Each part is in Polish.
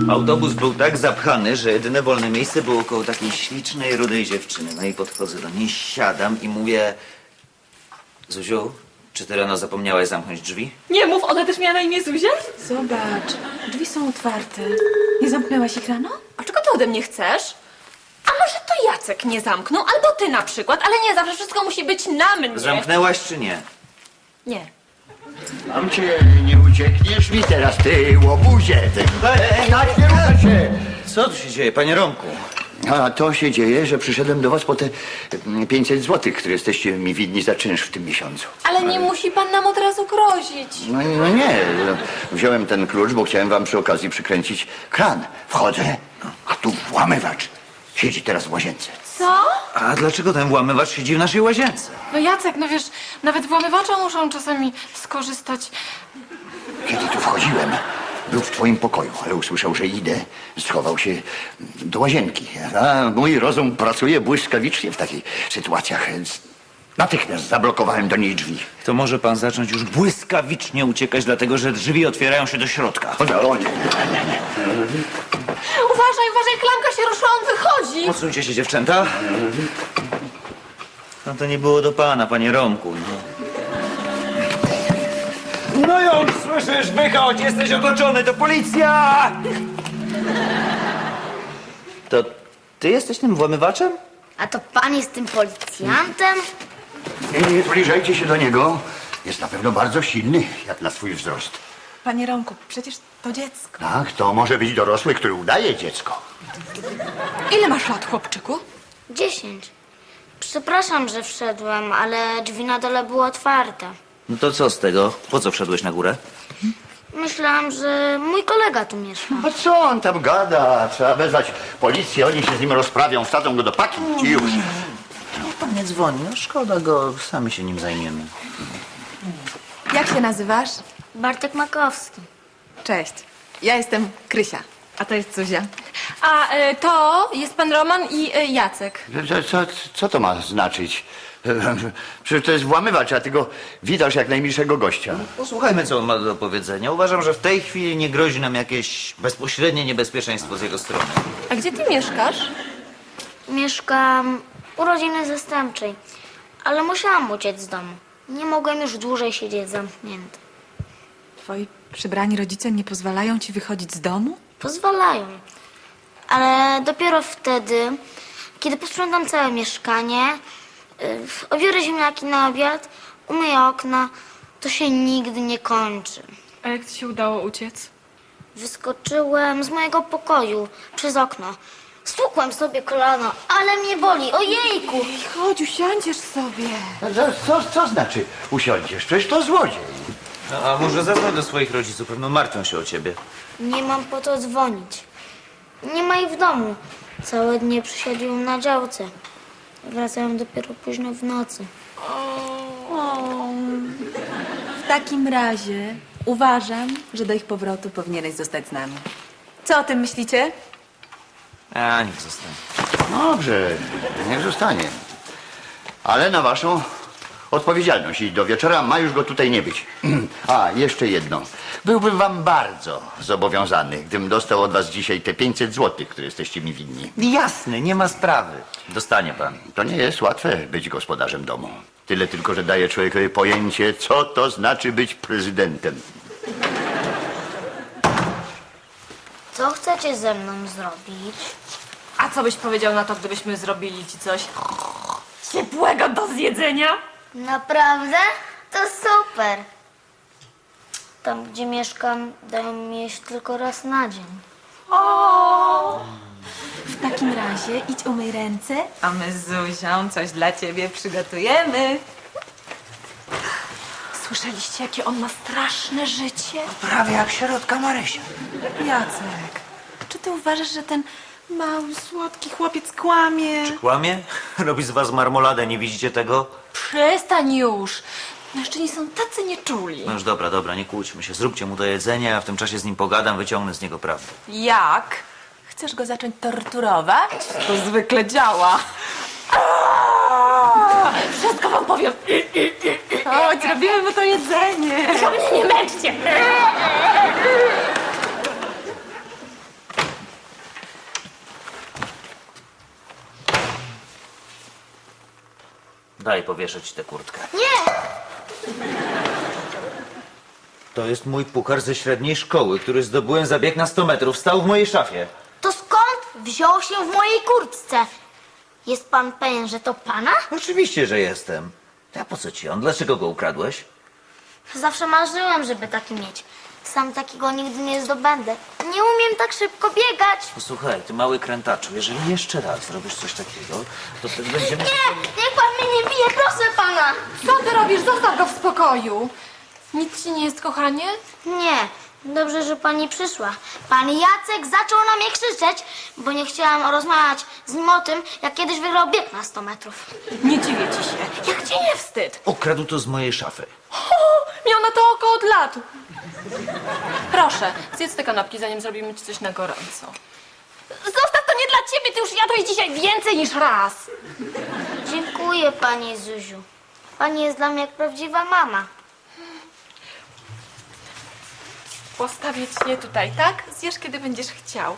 Autobus był tak zapchany, że jedyne wolne miejsce było koło takiej ślicznej, rudej dziewczyny. No i podchodzę do niej, siadam i mówię... Zuziu, czy ty rano zapomniałaś zamknąć drzwi? Nie mów, ona też miała na imię Zuzia? Zobacz, drzwi są otwarte. Nie zamknęłaś ich rano? A czego ty ode mnie chcesz? A może to Jacek nie zamknął, albo ty na przykład, ale nie zawsze wszystko musi być na mnie. Zamknęłaś czy nie? Nie. Mam cię, nie uciekniesz mi teraz, ty łobuzie. Ty. Tak, nie ruszaj się. Co tu się dzieje, panie Romku? A to się dzieje, że przyszedłem do was po te 500 złotych, które jesteście mi winni za czynsz w tym miesiącu. Ale nie musi pan nam od razu grozić. No nie, wziąłem ten klucz, bo chciałem wam przy okazji przykręcić kran. Wchodzę, a tu włamywacz. Siedzi teraz w łazience. Co? A dlaczego ten włamywacz siedzi w naszej łazience? No Jacek, no wiesz, nawet włamywacza muszą czasami skorzystać. Kiedy tu wchodziłem, był w twoim pokoju, ale usłyszał, że idę, schował się do łazienki. A mój rozum pracuje błyskawicznie w takich sytuacjach, więc natychmiast zablokowałem do niej drzwi. To może pan zacząć już błyskawicznie uciekać, dlatego że drzwi otwierają się do środka. O nie. Uważaj, klamka się ruszyła, on wychodzi. Odsuńcie się, dziewczęta. No to nie było do pana, panie Romku. No już słyszysz, wychodź, jesteś otoczony, to policja! To ty jesteś tym włamywaczem? A to pan jest tym policjantem? Nie zbliżajcie się do niego. Jest na pewno bardzo silny, jak na swój wzrost. Panie Romku, przecież to dziecko. Tak, to może być dorosły, który udaje dziecko. Ile masz lat, chłopczyku? 10. Przepraszam, że wszedłem, ale drzwi na dole były otwarte. No to co z tego? Po co wszedłeś na górę? Myślałam, że mój kolega tu mieszka. A co on tam gada? Trzeba wezwać policję, oni się z nim rozprawią, wsadzą go do paki i już. Niech pan nie dzwoni, no szkoda go, sami się nim zajmiemy. Jak się nazywasz? Bartek Makowski. Cześć. Ja jestem Krysia, a to jest Zuzia. A to jest pan Roman i Jacek. Co to ma znaczyć? Przecież to jest włamywacz, a ty go witasz jak najmilszego gościa. Posłuchajmy, co on ma do powiedzenia. Uważam, że w tej chwili nie grozi nam jakieś bezpośrednie niebezpieczeństwo z jego strony. A gdzie ty mieszkasz? Mieszkam u rodziny zastępczej, ale musiałam uciec z domu. Nie mogłem już dłużej siedzieć zamknięty. Twoi przybrani rodzice nie pozwalają ci wychodzić z domu? Pozwalają, ale dopiero wtedy, kiedy posprzątam całe mieszkanie, obiorę ziemniaki na obiad, umyję okna, to się nigdy nie kończy. A jak ci się udało uciec? Wyskoczyłem z mojego pokoju przez okno. Stukłem sobie kolano, ale mnie boli, ojejku! Chodź, usiądziesz sobie. Co znaczy usiądziesz? Przecież to złodziej. No, a może zadzwoń do swoich rodziców, pewno martwią się o ciebie. Nie mam po to dzwonić. Nie ma ich w domu. Całe dnie przesiadziłem na działce. Wracałem dopiero późno w nocy. W takim razie uważam, że do ich powrotu powinieneś zostać z nami. Co o tym myślicie? A, niech zostanie. Dobrze, niech zostanie. Ale na waszą odpowiedzialność i do wieczora ma już go tutaj nie być. A, jeszcze jedno. Byłbym wam bardzo zobowiązany, gdybym dostał od was dzisiaj te 500 złotych, które jesteście mi winni. Jasne, nie ma sprawy. Dostanie pan. To nie jest łatwe być gospodarzem domu. Tyle tylko, że daje człowiekowi pojęcie, co to znaczy być prezydentem. Co chcecie ze mną zrobić? A co byś powiedział na to, gdybyśmy zrobili ci coś ciepłego do zjedzenia? Naprawdę? To super. Tam, gdzie mieszkam, dają mi jeść tylko raz na dzień. W takim razie idź umyj ręce, a my z Zuzią coś dla ciebie przygotujemy. Słyszeliście, jakie on ma straszne życie? Prawie jak środka Marysia. Jacek, czy ty uważasz, że ten mały, słodki chłopiec kłamie? Kłamie? Robi z was marmoladę, nie widzicie tego? Przestań już. Mężczyźni są tacy nieczuli. No już dobra, nie kłóćmy się. Zróbcie mu do jedzenia, a w tym czasie z nim pogadam, wyciągnę z niego prawdę. Jak? Chcesz go zacząć torturować? To zwykle działa. Wszystko wam powiem. Chodź, robimy mu to jedzenie. Tylko mnie nie męczcie. Daj, powieszę ci tę kurtkę. Nie! To jest mój puchar ze średniej szkoły, który zdobyłem za bieg na 100 metrów. Stał w mojej szafie. To skąd wziął się w mojej kurtce? Jest pan pewien, że to pana? Oczywiście, że jestem. A po co ci on? Dlaczego go ukradłeś? Zawsze marzyłem, żeby taki mieć. Sam takiego nigdy nie zdobędę. Nie umiem tak szybko biegać. Posłuchaj, ty mały krętaczu, jeżeli jeszcze raz zrobisz coś takiego, to wtedy będziemy... Nie! Niech pan mnie nie bije, proszę pana! Co ty robisz? Zostaw go w spokoju. Nic ci nie jest, kochanie? Nie, dobrze, że pani przyszła. Pan Jacek zaczął na mnie krzyczeć, bo nie chciałam rozmawiać z nim o tym, jak kiedyś wygrał bieg na 100 metrów. Nie dziwię ci się. Jak ci nie wstyd? Ukradł to z mojej szafy. Miał na to oko od lat. Proszę, zjedz te kanapki, zanim zrobimy ci coś na gorąco. Zostaw, to nie dla ciebie, ty już jadłeś dzisiaj więcej niż raz. Dziękuję, pani Zuziu. Pani jest dla mnie jak prawdziwa mama. Postawię ci je tutaj, tak? Zjesz, kiedy będziesz chciał.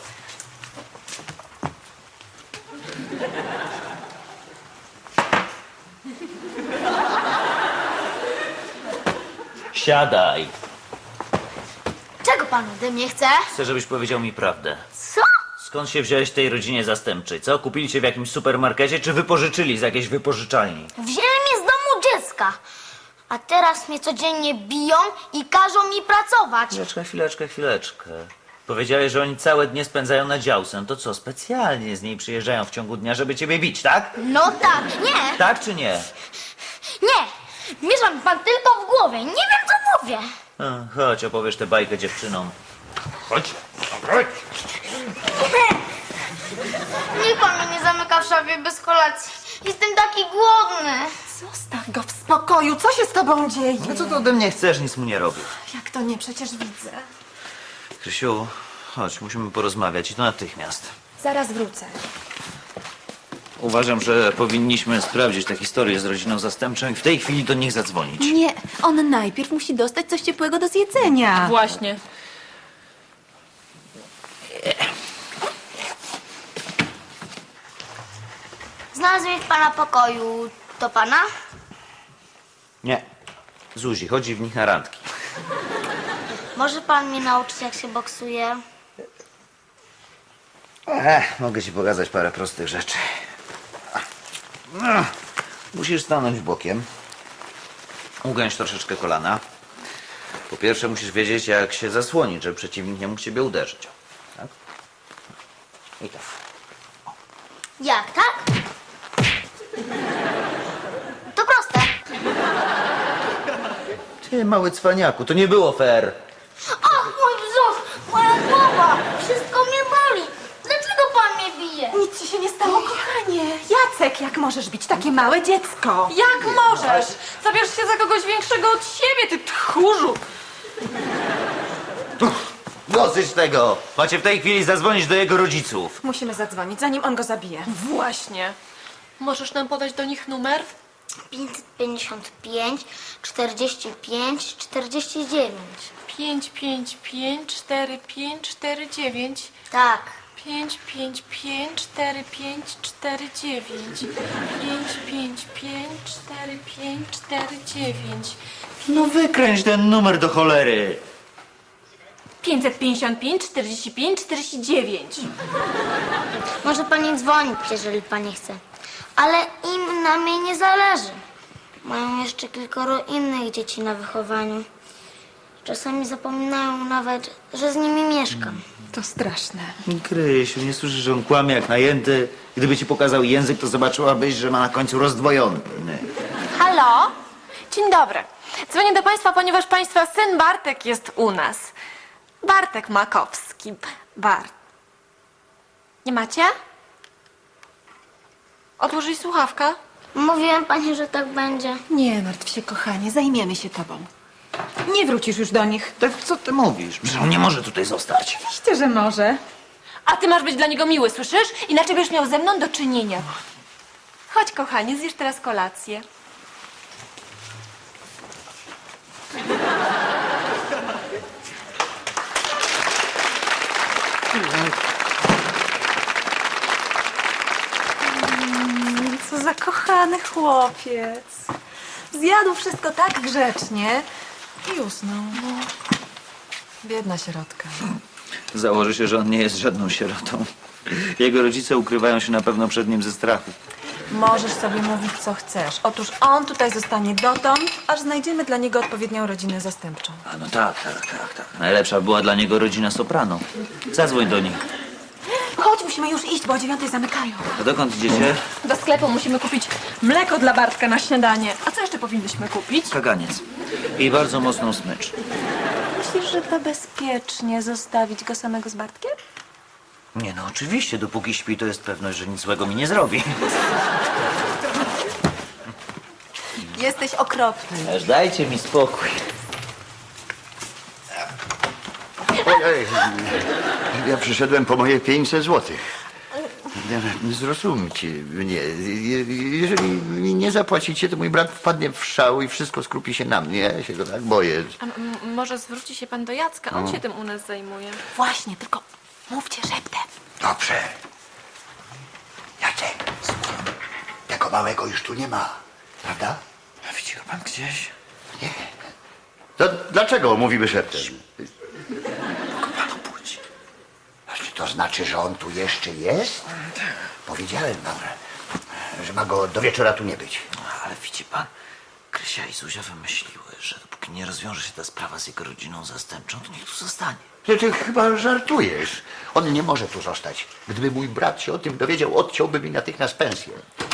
Siadaj. Czego pan ode mnie chce? Chcę, żebyś powiedział mi prawdę. Co? Skąd się wziąłeś w tej rodzinie zastępczej, co? Kupili cię w jakimś supermarkecie, czy wypożyczyli z jakiejś wypożyczalni? Wzięli mnie z domu dziecka. A teraz mnie codziennie biją i każą mi pracować. Chwileczkę. Powiedziałeś, że oni całe dnie spędzają na działce. No to co, specjalnie z niej przyjeżdżają w ciągu dnia, żeby ciebie bić, tak? No tak, nie, Tak czy nie? nie. Miesza mi pan tylko w głowie. Nie wiem, co mówię. Chodź, opowiesz tę bajkę dziewczynom. Chodź. Niech pan mnie nie zamyka w szafie bez kolacji. Jestem taki głodny. Zostaw go w spokoju. Co się z tobą dzieje? No co ty ode mnie chcesz? Nic mu nie robię. Jak to nie? Przecież widzę. Krysiu, chodź, musimy porozmawiać i to natychmiast. Zaraz wrócę. Uważam, że powinniśmy sprawdzić tę historię z rodziną zastępczą i w tej chwili do nich zadzwonić. Nie, on najpierw musi dostać coś ciepłego do zjedzenia. Właśnie. Znalazłem w pana pokoju. To pana? Nie. Zuzi, chodzi w nich na randki. Może pan mnie nauczyć, jak się boksuje? Mogę ci pokazać parę prostych rzeczy. Musisz stanąć bokiem. Ugiąć troszeczkę kolana. Po pierwsze musisz wiedzieć, jak się zasłonić, żeby przeciwnik nie mógł ciebie uderzyć. Tak? I tak. Jak, tak? To proste. Ty, mały cwaniaku, to nie było fair. Ach, mój brzuch, moja głowa. Wszystko mnie boli. Dlaczego pan mnie bije? Nic ci się nie stało, kochanie. Jacek, jak możesz bić takie małe dziecko? Jak możesz? Zabierz się za kogoś większego od siebie, ty tchórzu. Dosyć tego! Macie w tej chwili zadzwonić do jego rodziców. Musimy zadzwonić, zanim on go zabije. Właśnie. Możesz nam podać do nich numer? 555, 45, 49. 5554549. Tak. 5554549. 5554549. No wykręć ten numer do cholery. 555 45 49. Może pani dzwonić, jeżeli pani chce. Ale im na mnie nie zależy. Mają jeszcze kilkoro innych dzieci na wychowaniu. Czasami zapominają nawet, że z nimi mieszkam. To straszne. Krysiu, nie słyszysz, że on kłamie jak najęty? Gdyby ci pokazał język, to zobaczyłabyś, że ma na końcu rozdwojony. Halo? Dzień dobry. Dzwonię do państwa, ponieważ państwa syn Bartek jest u nas. Bartek Makowski. Nie macie? Odłożyć słuchawka? Mówiłem pani, że tak będzie. Nie martw się, kochanie, zajmiemy się tobą. Nie wrócisz już do nich. Tak co ty mówisz? Przecież on nie może tutaj zostać. Oczywiście, że może. A ty masz być dla niego miły, słyszysz? Inaczej będziesz miał ze mną do czynienia. Chodź, kochanie, zjesz teraz kolację. Co za kochany chłopiec. Zjadł wszystko tak grzecznie i usnął. Biedna sierotka. Założę się, że on nie jest żadną sierotą. Jego rodzice ukrywają się na pewno przed nim ze strachu. Możesz sobie mówić, co chcesz. Otóż on tutaj zostanie dotąd, aż znajdziemy dla niego odpowiednią rodzinę zastępczą. A no tak. Najlepsza była dla niego rodzina Soprano. Zadzwoń do nich. Chodź, musimy już iść, bo o 9:00 zamykają. A dokąd idziecie? Do sklepu musimy kupić mleko dla Bartka na śniadanie. A co jeszcze powinnyśmy kupić? Kaganiec. I bardzo mocną smycz. Myślisz, że to bezpiecznie zostawić go samego z Bartkiem? Nie no, oczywiście, dopóki śpi, to jest pewność, że nic złego mi nie zrobi. Jesteś okropny. Aż dajcie mi spokój. Ojej, ja przyszedłem po moje 500 złotych. Zrozumcie mnie. Jeżeli mi nie zapłacicie, to mój brat wpadnie w szał i wszystko skrupi się na mnie. Ja się go tak boję. A może zwróci się pan do Jacka? On się tym u nas zajmuje. Właśnie, tylko mówcie szeptem. Dobrze. Jacek, tego małego już tu nie ma, prawda? A widzi go pan gdzieś? To dlaczego mówimy szeptem? Panu budzi. Czy to znaczy, że on tu jeszcze jest? Powiedziałem wam, że ma go do wieczora tu nie być. Ale widzi pan, Krysia i Zuzia wymyśliły, że dopóki nie rozwiąże się ta sprawa z jego rodziną zastępczą, to niech tu zostanie. Ty chyba żartujesz. On nie może tu zostać. Gdyby mój brat się o tym dowiedział, odciąłby mi natychmiast pensję.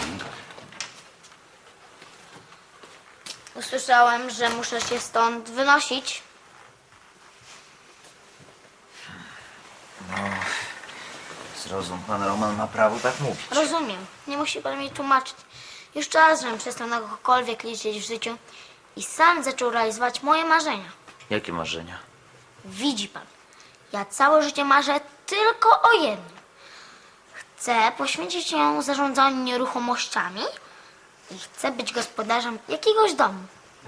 Usłyszałem, że muszę się stąd wynosić. Zrozum, pan Roman ma prawo tak mówić. Rozumiem. Nie musi pan mi tłumaczyć. Już czas, żebym przestał na kogokolwiek liczyć w życiu i sam zaczął realizować moje marzenia. Jakie marzenia? Widzi pan, ja całe życie marzę tylko o jednym. Chcę poświęcić się zarządzaniu nieruchomościami i chcę być gospodarzem jakiegoś domu.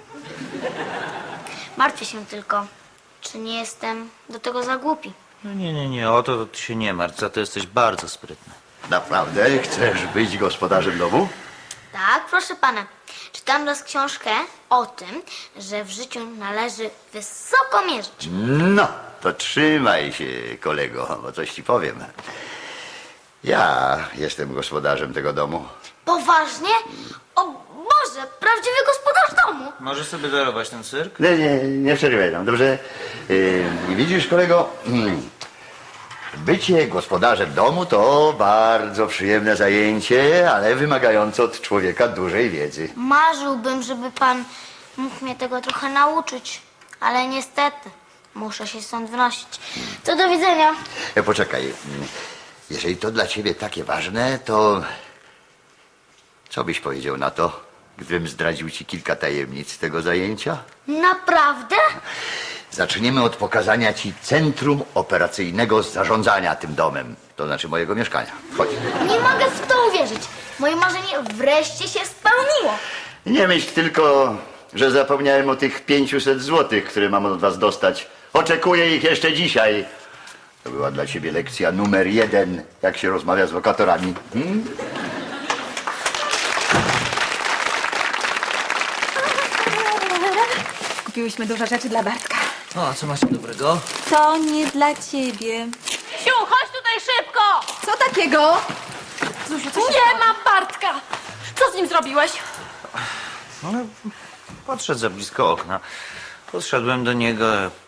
Martwię się tylko, czy nie jestem do tego za głupi. No nie, o to ty się nie martw, za to jesteś bardzo sprytny. Naprawdę? Chcesz być gospodarzem domu? Tak, proszę pana. Czytam raz książkę o tym, że w życiu należy wysoko mierzyć. No, to trzymaj się, kolego, bo coś ci powiem. Ja jestem gospodarzem tego domu. Poważnie? O Boże, prawdziwy gospodarz domu. Możesz sobie darować ten cyrk? Nie przerywaj nam, dobrze? Widzisz, kolego, bycie gospodarzem domu to bardzo przyjemne zajęcie, ale wymagające od człowieka dużej wiedzy. Marzyłbym, żeby pan mógł mnie tego trochę nauczyć, ale niestety muszę się stąd wynosić. To do widzenia. Poczekaj, jeżeli to dla ciebie takie ważne, to co byś powiedział na to, gdybym zdradził ci kilka tajemnic tego zajęcia? Naprawdę? Zaczniemy od pokazania ci centrum operacyjnego zarządzania tym domem, to znaczy mojego mieszkania. Chodź. Nie mogę w to uwierzyć. Moje marzenie wreszcie się spełniło. Nie myśl tylko, że zapomniałem o tych 500 złotych, które mam od was dostać. Oczekuję ich jeszcze dzisiaj. To była dla ciebie lekcja numer 1, jak się rozmawia z lokatorami. Kupiłyśmy dużo rzeczy dla Bartka. O, a co macie dobrego? To nie dla ciebie. Siu, chodź tutaj szybko! Co takiego? Zuziu, co się Nie ma Bartka! Co z nim zrobiłeś? No, podszedł za blisko okna. Podszedłem do niego.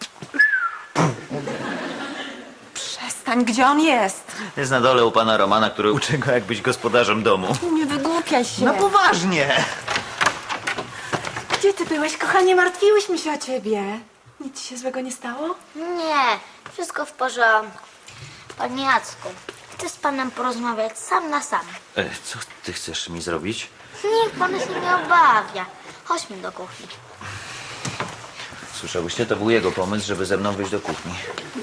Przestań, gdzie on jest? Jest na dole u pana Romana, który uczy go, jak być gospodarzem domu. Nie wygłupiaj się. No poważnie. Gdzie ty byłeś, kochanie? Martwiłyśmy się o ciebie. Nic ci się złego nie stało? Nie, wszystko w porządku. Panie Jacku, chcę z panem porozmawiać sam na sam. Co ty chcesz mi zrobić? Niech pan się nie obawia. Chodźmy do kuchni. Słyszałyście? To był jego pomysł, żeby ze mną wyjść do kuchni.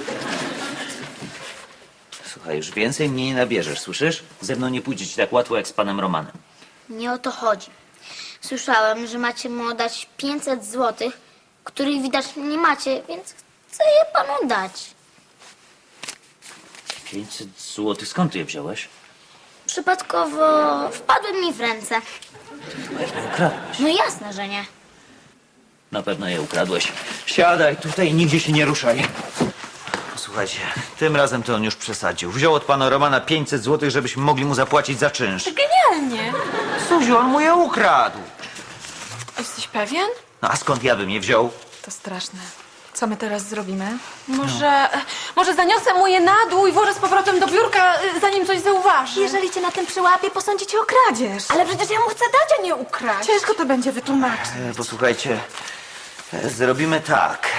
Słuchaj, już więcej mnie nie nabierzesz, słyszysz? Ze mną nie pójdzie ci tak łatwo jak z panem Romanem. Nie o to chodzi. Słyszałem, że macie mu dać 500 złotych, których widocznie nie macie, więc chcę je panu dać. 500 złotych, skąd ty je wziąłeś? przypadkowo wpadły mi w ręce. Ukradłeś. No jasne, że nie. Na pewno je ukradłeś. Siadaj tutaj i nigdzie się nie ruszaj. Słuchajcie, tym razem to on już przesadził. Wziął od pana Romana 500 zł, żebyśmy mogli mu zapłacić za czynsz. Genialnie. Zuziu, on mu je ukradł. Jesteś pewien? No a skąd ja bym je wziął? To straszne. Co my teraz zrobimy? Może zaniosę mu je na dół i włożę z powrotem do biurka, zanim coś zauważy. Jeżeli cię na tym przyłapie, posądzicie o kradzież. Ale przecież ja mu chcę dać, a nie ukraść. Ciężko to będzie wytłumaczyć. Posłuchajcie, zrobimy tak.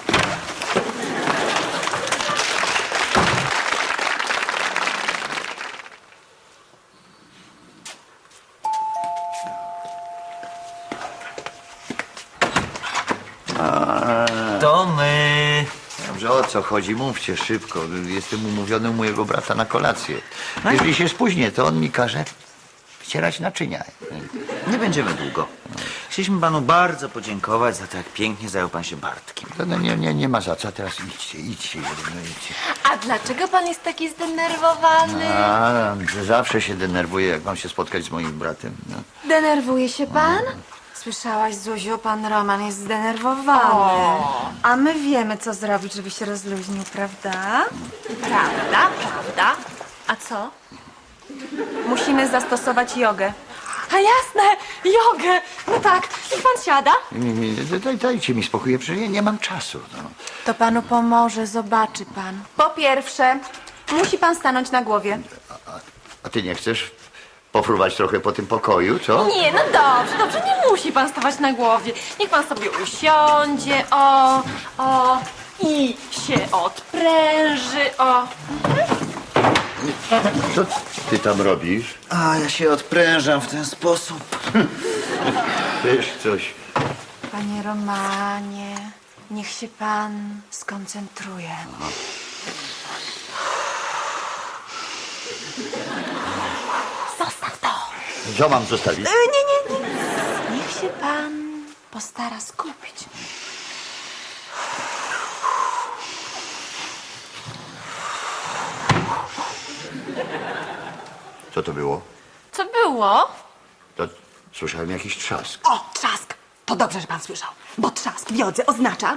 To my. Dobrze, o co chodzi? Mówcie szybko. Jestem umówiony u mojego brata na kolację. Jeżeli się spóźnię, to on mi każe wcierać naczynia. Nie będziemy długo. Chcieliśmy panu bardzo podziękować za to, jak pięknie zajął pan się Bartkiem. No, nie ma za co. A teraz idźcie, idźcie. A dlaczego pan jest taki zdenerwowany? A, że zawsze się denerwuję, jak mam się spotkać z moim bratem. No. Denerwuje się pan? Słyszałaś, Zuziu, pan Roman jest zdenerwowany. A my wiemy, co zrobić, żeby się rozluźnił, prawda? Prawda? A co? Musimy zastosować jogę. A jasne, jogę. No tak, niech pan siada. Dajcie mi spokój, przecież ja nie mam czasu. No. To panu pomoże, zobaczy pan. Po pierwsze, musi pan stanąć na głowie. A ty nie chcesz pofruwać trochę po tym pokoju, co? Nie, no dobrze, nie musi pan stawać na głowie. Niech pan sobie usiądzie, i się odpręży, Co ty tam robisz? A ja się odprężam w ten sposób. Wiesz coś. Panie Romanie, niech się pan skoncentruje. Zostaw to. Co mam zostawić? Nie. Niech się pan postara skupić. Co to było? Co było? To słyszałem jakiś trzask. O, trzask! To dobrze, że pan słyszał. Bo trzask w jodze oznacza,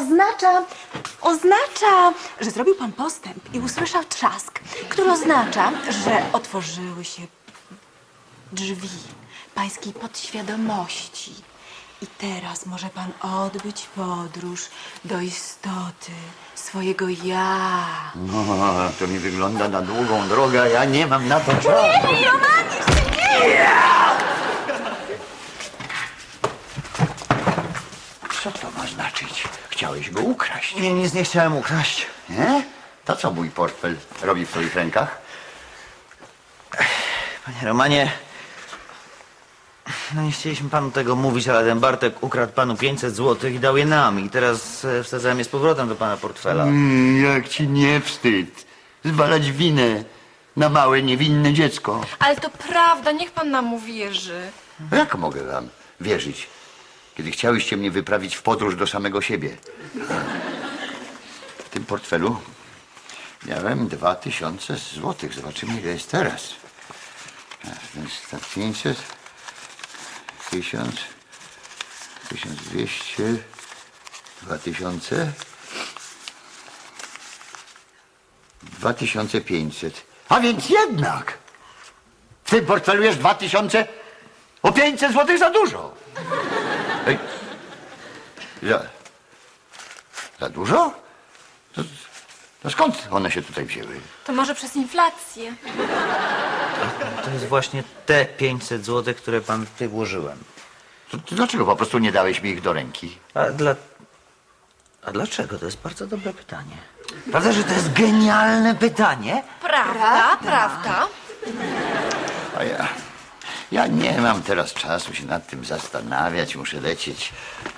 że zrobił pan postęp i usłyszał trzask, który oznacza, że otworzyły się drzwi pańskiej podświadomości. I teraz może pan odbyć podróż do istoty swojego ja. No, to mi wygląda na długą drogę, a ja nie mam na to czasu. Co to ma znaczyć? Chciałeś go ukraść, Nie, nic nie chciałem ukraść. nie? To co mój portfel robi w twoich rękach? Panie Romanie, no nie chcieliśmy panu tego mówić, ale ten Bartek ukradł panu 500 zł i dał je nam. I teraz wsadzałem je z powrotem do pana portfela. Jak ci nie wstyd zwalać winę na małe, niewinne dziecko. Ale to prawda, niech pan nam uwierzy. Jak mogę wam wierzyć, kiedy chciałyście mnie wyprawić w podróż do samego siebie? W tym portfelu miałem 2000 złotych. Zobaczymy, ile jest teraz. Więc tak 500, 1000, 1200, 2000, 2500. A więc jednak w tym portfelu jest 2000, o 500 złotych za dużo. Ej, za dużo? To skąd one się tutaj wzięły? To może przez inflację. To jest właśnie te 500 zł, które pan tutaj włożyłem. To dlaczego po prostu nie dałeś mi ich do ręki? A dlaczego? To jest bardzo dobre pytanie. Prawda, że to jest genialne pytanie? Prawda. A ja nie mam teraz czasu się nad tym zastanawiać. Muszę lecieć.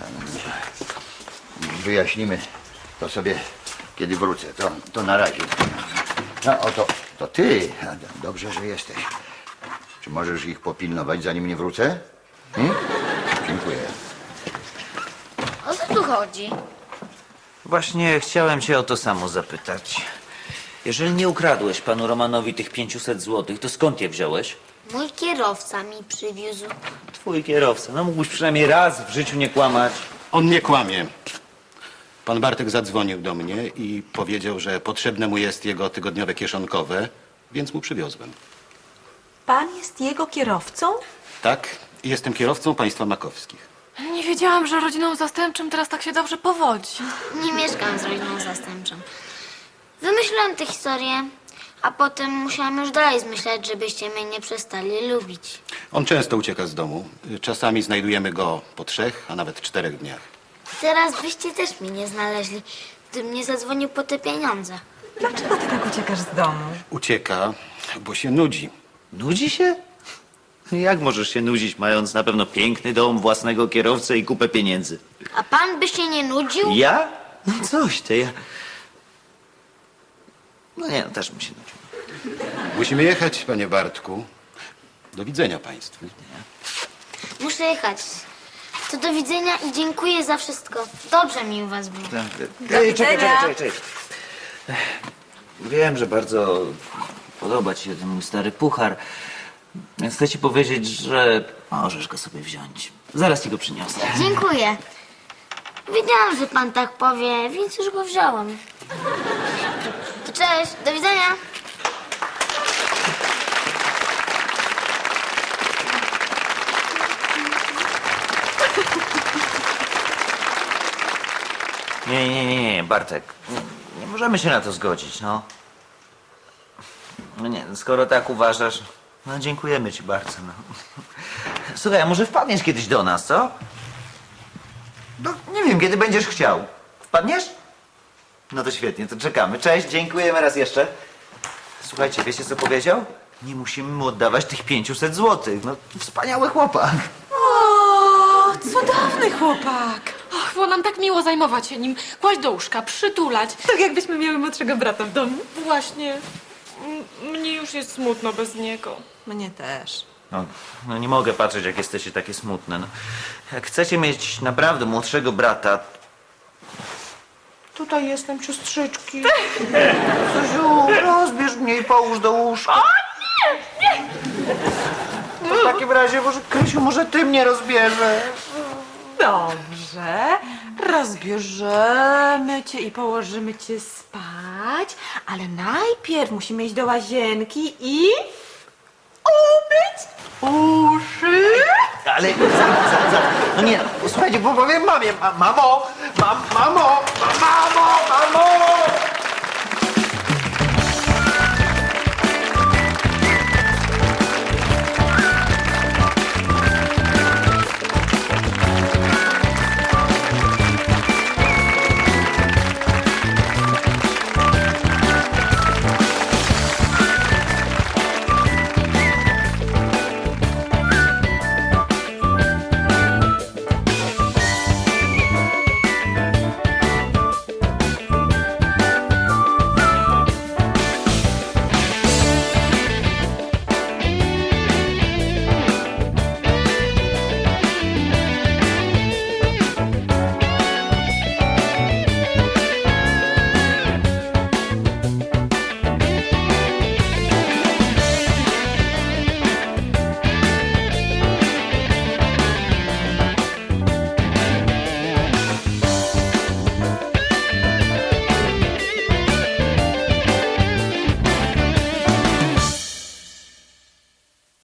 Wyjaśnimy to sobie, kiedy wrócę. To na razie. No, to ty. Dobrze, że jesteś. Czy możesz ich popilnować, zanim nie wrócę? Dziękuję. O co tu chodzi? Właśnie chciałem cię o to samo zapytać. Jeżeli nie ukradłeś panu Romanowi tych 500 złotych, to skąd je wziąłeś? Mój kierowca mi przywiózł. Twój kierowca. No mógłbyś przynajmniej raz w życiu nie kłamać. On nie kłamie. Pan Bartek zadzwonił do mnie i powiedział, że potrzebne mu jest jego tygodniowe kieszonkowe, więc mu przywiozłem. Pan jest jego kierowcą? Tak, jestem kierowcą państwa makowskich. Nie wiedziałam, że rodziną zastępczym teraz tak się dobrze powodzi. Nie mieszkam z rodziną zastępczą. Wymyśliłam tę historię, a potem musiałam już dalej zmyślać, żebyście mnie nie przestali lubić. On często ucieka z domu. Czasami znajdujemy go po 3, a nawet 4 dniach. Teraz byście też mnie nie znaleźli, gdybym nie zadzwonił po te pieniądze. Dlaczego ty tak uciekasz z domu? Ucieka, bo się nudzi. Nudzi się? Jak możesz się nudzić, mając na pewno piękny dom, własnego kierowcę i kupę pieniędzy? A pan by się nie nudził? Ja? No coś ty, ja... No nie, no też bym się nudził. Musimy jechać, panie Bartku. Do widzenia państwu. Muszę jechać. To do widzenia i dziękuję za wszystko. Dobrze mi u was było. Ej, widzenia. czekaj. Wiem, że bardzo podoba ci się ten mój stary puchar, więc chcę ci powiedzieć, że możesz go sobie wziąć. Zaraz ci go przyniosę. Dziękuję. Wiedziałam, że pan tak powie, więc już go wziąłem. To cześć, do widzenia. Nie, Bartek. Nie możemy się na to zgodzić, no. No nie, skoro tak uważasz, no dziękujemy ci bardzo, no. Słuchaj, a może wpadniesz kiedyś do nas, co? No, nie wiem, kiedy będziesz chciał. Wpadniesz? No to świetnie, to czekamy. Cześć, dziękujemy raz jeszcze. Słuchajcie, wiecie co powiedział? Nie musimy mu oddawać tych 500 złotych. No, wspaniały chłopak. O, cudowny chłopak! Och, było nam tak miło zajmować się nim, kłaść do łóżka, przytulać. Tak jakbyśmy miały młodszego brata w domu. Właśnie, mnie już jest smutno bez niego. Mnie też. No nie mogę patrzeć, jak jesteście takie smutne. No, jak chcecie mieć naprawdę młodszego brata... Tutaj jestem, siostrzyczki. Zuziu, rozbierz mnie i połóż do łóżka. O nie! To w takim razie, może Krysiu, może ty mnie rozbierzesz. Dobrze. Rozbierzemy cię i położymy cię spać, ale najpierw musimy iść do łazienki i umyć uszy. Ale no nie, słuchajcie, bo powiem mamie, mamo, mamo, mama!